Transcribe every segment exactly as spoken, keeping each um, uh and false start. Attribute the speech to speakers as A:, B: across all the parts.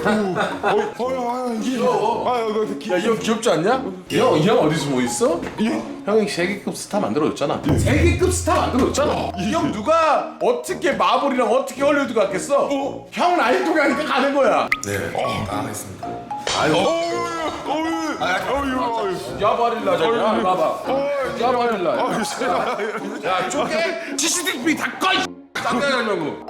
A: 어어어 이게
B: 귀여워.
A: 아 이거 기...
B: 야, 이 형 귀엽지 않냐? 이 형, 이 형 어디서 뭐 있어?
A: 예?
B: 형이 세계급 스타 만들어줬잖아. 세계급 스타 만들어줬잖아. 이 형 누가 어떻게 마블이랑 어떻게 헐리우드 갔겠어?
A: 어?
B: 형 라이토가 하니까 가는 거야.
C: 네, 다 하겠습니다.
B: 아유,
A: 어유 어유 어유
B: 야바릴라잖아. 봐봐. 야바릴라.
A: 어유
B: 야, 쪼개? 씨씨티비 다 꺼! 짱짱이 하려고.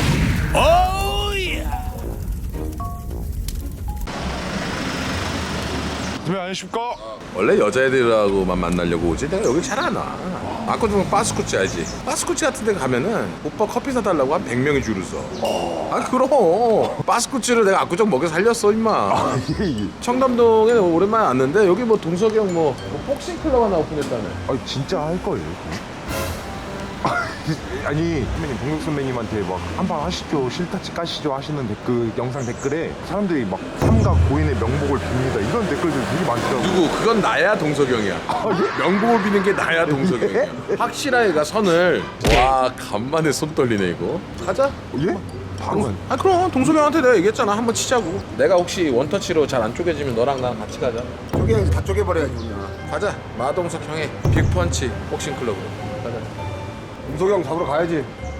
A: 선배 안녕하십니까?
B: 원래 여자애들하고만 만나려고 오지 내가 여기 잘 안 와. 아까 좀 바스쿠치 알지? 바스쿠치 같은 데 가면은 오빠 커피 사달라고 한 백 명이 줄을 서. 아 그럼 바스쿠치를 내가 압구정 먹여 살렸어 임마.
A: 예예.
B: 청담동에 오랜만에 왔는데 여기 뭐 동석이 형 뭐 복싱 클럽 하나 오픈했다네.
A: 아 진짜 할 거예요? 아니 선배님 동혁 선배님한테 막 한방 하시죠 실타치 까시죠 하시는 댓글 영상 댓글에 사람들이 막 삼가 고인의 명복을 빕니다 이런 댓글들이 되게 많더라고요.
B: 누구? 그건 나야 동석이 형이야. 명복을 비는 게 나야 동석이 형이야. 확실하게 가 선을. 와 간만에 손 떨리네 이거. 가자.
A: 예? 바로
B: 아 그럼 동석이 형한테 내가 얘기했잖아 한번 치자고. 내가 혹시 원터치로 잘 안 쪼개지면 너랑 나랑 같이 가자.
C: 쪼개야지, 다 쪼개버려야지 그냥.
B: 가자. 마동석 형의 빅펀치 복싱 클럽으로 가자.
C: 동석이 형 잡으러 가야지.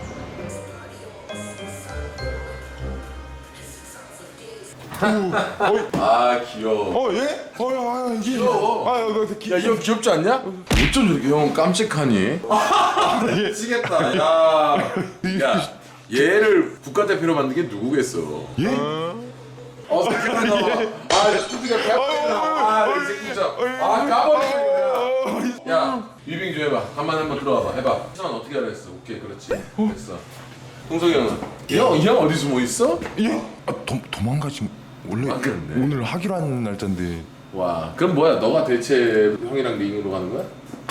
B: 아 귀여워.
A: 어 예? 어유 아 이게
B: 귀여워.
A: 아 이거 기...
B: 야 이 형 귀엽지 않냐? 어쩜 저렇게 형 깜찍하니? 미치겠다. 야, 야 얘를 국가대표로 만든 게 누구겠어?
A: 예?
B: 어 새끼가 나와. 아 뚜디가 배고프다. 아이 새끼 진짜. 아 까버리네. 야 유빙 좀 해봐. 간만에 한번 들어와봐. 해봐. 시간 어떻게 하라 했어? 오케이 그렇지. 됐어. 동석이 형은? 형, 이 형 어디서 뭐 있어?
A: 예? 아 도, 도망가지 원래
B: 아, 그랬네.
A: 오늘 하기로 한 날짜인데
B: 와 그럼 뭐야? 너가 대체 형이랑 링으로 가는 거야?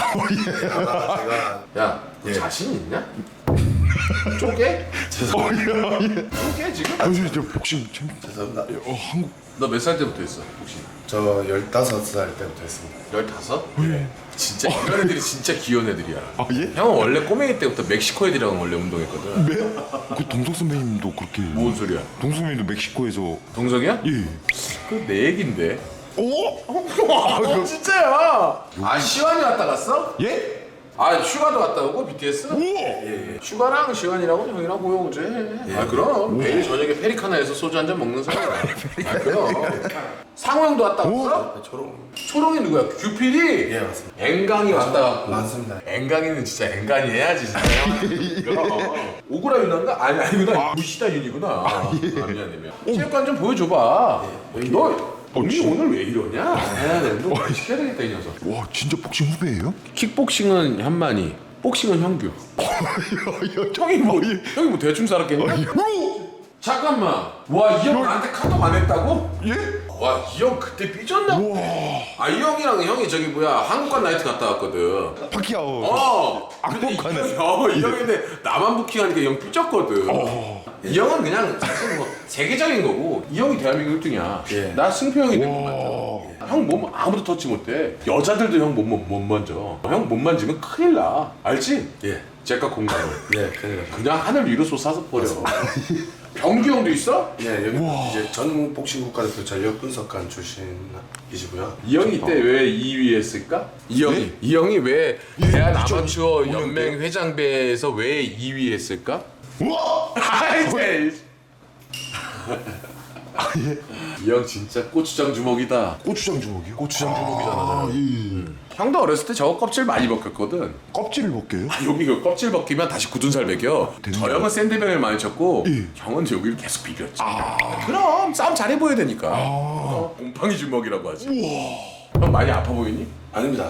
C: 제가
B: 야, 너 자신 있냐? 쪼개?
A: 어야 예.
B: 쪼개 지금?
A: 아 저, 저 복싱 챔
C: 죄송합니다.
A: 어 한국
B: 너 몇 살 때부터 했어 혹시?
C: 저 열다섯 살 때부터 했습니다.
B: 열다섯? 진짜 이런 애들이 진짜 귀여운 애들이야.
A: 아 예?
B: 형은 원래 꼬맹이 때부터 멕시코 애들이랑 원래 운동했거든.
A: 네? 그 동석 선배님도 그렇게
B: 뭔 소리야?
A: 동석 선배님도 멕시코에서
B: 동석이야?
A: 예.
B: 그거 내 얘긴데.
A: 오?
B: 어 진짜야. 아 시완이 왔다 갔어?
A: 예?
B: 아 슈가도 갔다 오고 비티에스?
A: 오!
B: 예, 예. 슈가랑 시완이라고 형이랑 고용제. 아 그럼 매일 저녁에 페리카나에서 소주 한 잔 먹는 사람이야. 아 그럼. 상호 형도 왔다 갔어?
C: 초롱.
B: 초롱이 누구야? 규필이?
C: 예 맞습니다.
B: 앵강이 왔다 갔고.
C: 맞습니다.
B: 앵강이는 진짜 앵강이 해야지 진짜. 그럼. 오구라 윤나인가? 아니 아니구나. 무시다 윤이구나. 아, 미안해 미안. 체육관 좀 보여줘봐. 너 언니 오늘 왜 이러냐? 해야 되는데 뭐 시켜야 되겠다 이 녀석.
A: 와 진짜 복싱 후배예요?
B: 킥복싱은 현만이, 복싱은 형규. 형이 뭐 형이 뭐 대충 살았겠냐? 잠깐만. 와 이 형 나한테 카톡 안 했다고?
A: 예?
B: 와 이 형 그때 삐졌나? 아 이 형이랑 형이 저기 뭐야 한국관 나이트 갔다 왔거든.
A: 파키아오
B: 어. 근데 이
A: 한국관에.
B: 형이 어, 이 형이 근데 나만 부킹하니까 이 형 삐졌거든. 이 형은 그냥 사실 뭐 세계적인 거고 이 형이 대한민국 일 등이야.
C: 예.
B: 나 승표 형이 된건 맞잖아. 형 몸 아무도 터치 못해. 여자들도 형 몸 못 만져. 형 몸 만지면 큰일 나. 알지?
C: 예.
B: 제가 공감을.
C: 예, 큰일 났어.
B: 그냥 하늘 위로 솟아서 버려. 병규 형도 있어?
C: 예, 여기 이제 전 복싱 국가대표 전력 분석관 출신이시고요.
B: 이 형이 이때 왜 이 위 했을까? 이 형이 이 형이 왜 대한 아마추어 연맹 회장배에서 왜 이 위 했을까?
A: 우와!
B: 아이 제 이 형 진짜 고추장 주먹이다.
A: 고추장 주먹이요?
B: 고추장 주먹이잖아.
A: 아, 예.
B: 형도 어렸을 때 저거 껍질 많이 벗겼거든.
A: 껍질을 벗겨요?
B: 아, 여기 그 껍질 벗기면 다시 굳은 살 벗겨. 저 형은 샌드백을 많이 쳤고
A: 예.
B: 형은 여기를 계속 비볐지. 그럼 싸움 잘해 보여야 되니까. 어, 곰팡이 주먹이라고 하지. 형 많이 아파 보이니?
C: 아닙니다.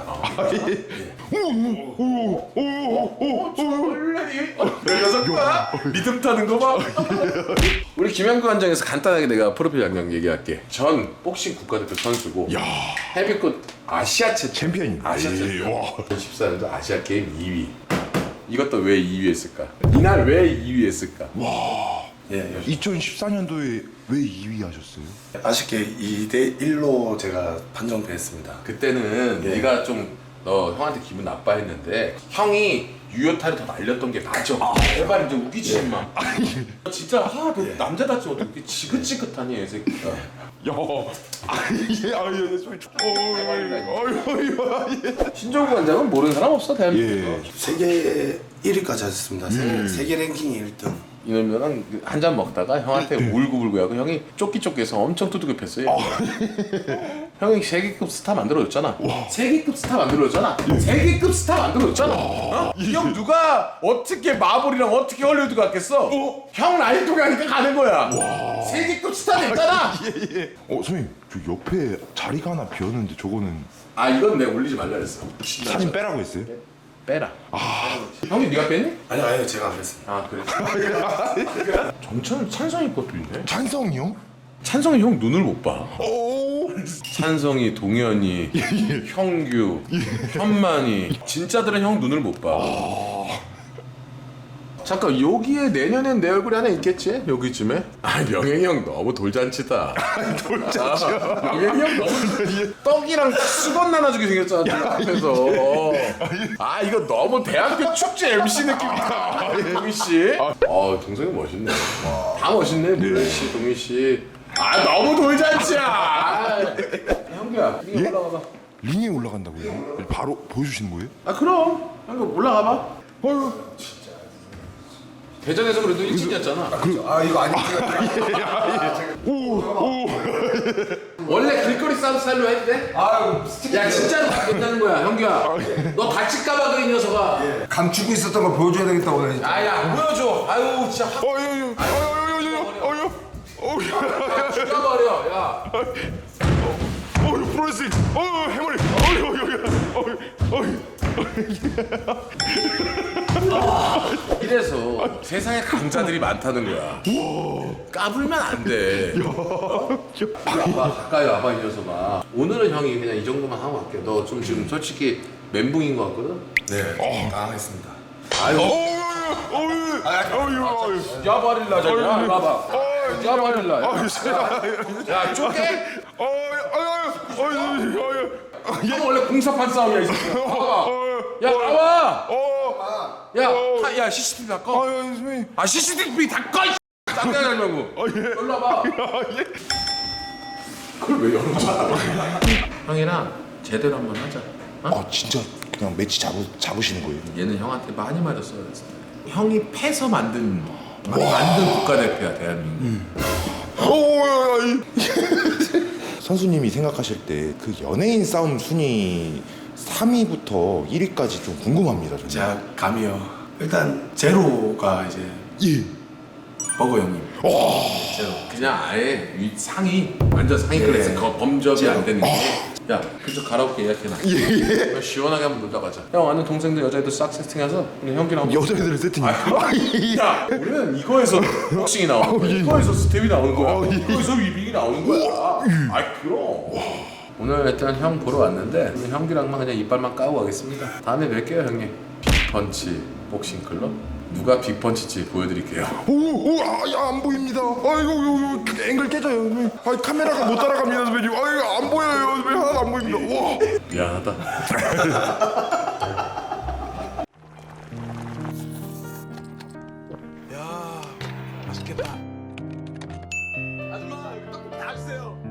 B: 그 녀석아 리듬 타는 거 봐. 우리 김양구 관장에서 간단하게 내가 프로필 양양 얘기할게. 전 복싱 국가대표 선수고
A: 야
B: 헤비급 아시아체
A: 챔피언이
B: 아시아체.
A: 예, 와.
B: 이천십사 년도 아시아 게임 이 위. 이것도 왜 이 위 했을까? 이날 왜 이 위 했을까?
C: 예,
A: 이천십사 년도에 왜 이 위 하셨어요?
C: 아쉽게 이 대 일로 제가 판정됐습니다.
B: 그때는
C: 예.
B: 네가 좀 너 형한테 기분 나빠했는데 형이 유효타를 더 날렸던 게 맞아. 제발 이제 우기지 마. 진짜 아, 너 남자답지 어떻게 지긋지긋하니 이 새끼가.
A: 야, 아예 아예 소리. 어유
B: 신정구 관장은 모르는 사람 없어 대한민국에.
A: 예.
C: 세계 일 위까지 하셨습니다. 세계,
B: 음.
C: 세계 랭킹 일 등.
B: 이놈이랑 한 잔 먹다가 형한테 울고불고 하고 형이 쫓기쫓기해서 엄청 두들겨팼어요. 형이 세계급 스타 만들어줬잖아. 세계급 스타 만들어줬잖아. 세계급 스타 만들어줬잖아. 어? 형 누가 어떻게 마블이랑 어떻게 헐리우드 갔겠어? 형 라이토 가니까 가는 거야. 세계급 스타 됐잖아.
A: 어 선생님 저 옆에 자리가 하나 비었는데 저거는
B: 아 이건 내가 올리지 말라 그랬어.
A: 사진 빼라고 했어요?
B: 빼라. 아 형이 네가 뺐니?
C: 아니 아니요 제가 안 했습니다.
B: 아 그래. 정찬 찬성이 것도 있네.
A: 찬성이요?
B: 찬성이 형 눈을 못 봐.
A: 오.
B: 찬성이, 동현이, 형규, 현만이 진짜들은 형 눈을 못 봐. 잠깐 여기에 내년엔 내 얼굴이 하나 있겠지? 여기쯤에? 아 명행이 형 너무 돌잔치다. 돌잔치. 아, 명행이 형 너무 떡이랑 수건 나눠주게 생겼잖아 지금 앞에서. 아 이거 너무 대학교 축제 엠씨 느낌이다. 동희 씨. 아 동생이 멋있네. 다 멋있네 물론 씨, 동희 씨. 아 너무 돌잔치야. 아, 형규야 이거 올라가봐.
A: 링에 올라간다고요? 바로 보여주시는 거예요?
B: 아 그럼 형규 올라가봐. 어휴 진짜 대전에서 그래도 일찍이었잖아.
C: 아 이거 아닙니다.
B: 원래 길거리 싸움 스타일로 해도 돼?
C: 아유
B: 야 진짜로 바뀌었다는 거야 형규야. 너 다칠까봐 그래 이 녀석아.
C: 감추고 있었던 걸 보여줘야 되겠다 오늘.
B: 아야 보여줘. 아유 진짜 확
A: 어유 어유 어유 어유
B: 죽여버려 야.
A: 어유 프로레슬링 어유 해머리 어유 어유 어유
B: 이래서 세상에 강자들이 많다는 거야. 까불면 안 돼. 와봐 가까이 와봐 이 녀석아. 오늘은 형이 그냥 이 정도만 하고 갈게. 너 좀 지금 솔직히 멘붕인 것 같거든?
C: 네 당황했습니다.
B: 아유
A: 어유 어유 어유 어유
B: 야바릴라 저기야 와봐. 야바릴라 야 쪼개?
A: 어유 어유 어유 어유
B: 형 원래 공사판 싸움이야 이 새끼야. 봐봐. 야 나와. 야, 하, 야 씨씨티비 다 꺼.
A: 아유 선생님
B: 아 씨씨티비 다 꺼. 짱짱이 하려고. 일로 와봐. 그걸 왜 열어줘? 형이랑 제대로 한번 하자. 어?
A: 아 진짜 그냥 매치 잡으, 잡으시는 거예요?
B: 얘는 형한테 많이 맞았어요. 형이 패서 만든 만든 국가대표야 대한민국.
A: 오 선수님이 생각하실 때 그 연예인 싸움 순위 삼 위부터 일 위까지 좀 궁금합니다. 저는.
C: 제가 감이요. 일단 제로가 이제
A: 예.
C: 버거 형님.
B: 제로. 그냥 아예 위 상위 완전 상위
C: 예.
B: 클래스 거 범접이 안 되는 게.
A: 어.
B: 야, 그저 가라오케 예약해놔. 예. 시원하게 한번 놀다 가자. 형 아는 동생들 여자애들 싹 세팅해서 그냥 형기랑 한번.
A: 여자애들 세팅이요?
B: 야, 우리는 이거에서 복싱이 나오는 거야. 이거에서 스텝이 나오는 거야. 이거에서 위빙이 나오는 거야. 아, 그럼. 오늘 일단 형 보러 왔는데 오늘 형기랑만 그냥 이빨만 까고 가겠습니다. 다음에 뵐게요 형님. 빅펀치 복싱 클럽. 누가 빅펀치지 보여드릴게요.
A: 오오아안 보입니다. 아이고 요, 요, 앵글 깨져요. 선생님. 아 카메라가 못 따라갑니다 선배님. 아이고 안 보여요 선배님. 하나도 안 보입니다. 와.
B: 미안하다.
C: 야 맛있겠다. 아줌마 떡볶이 다 주세요.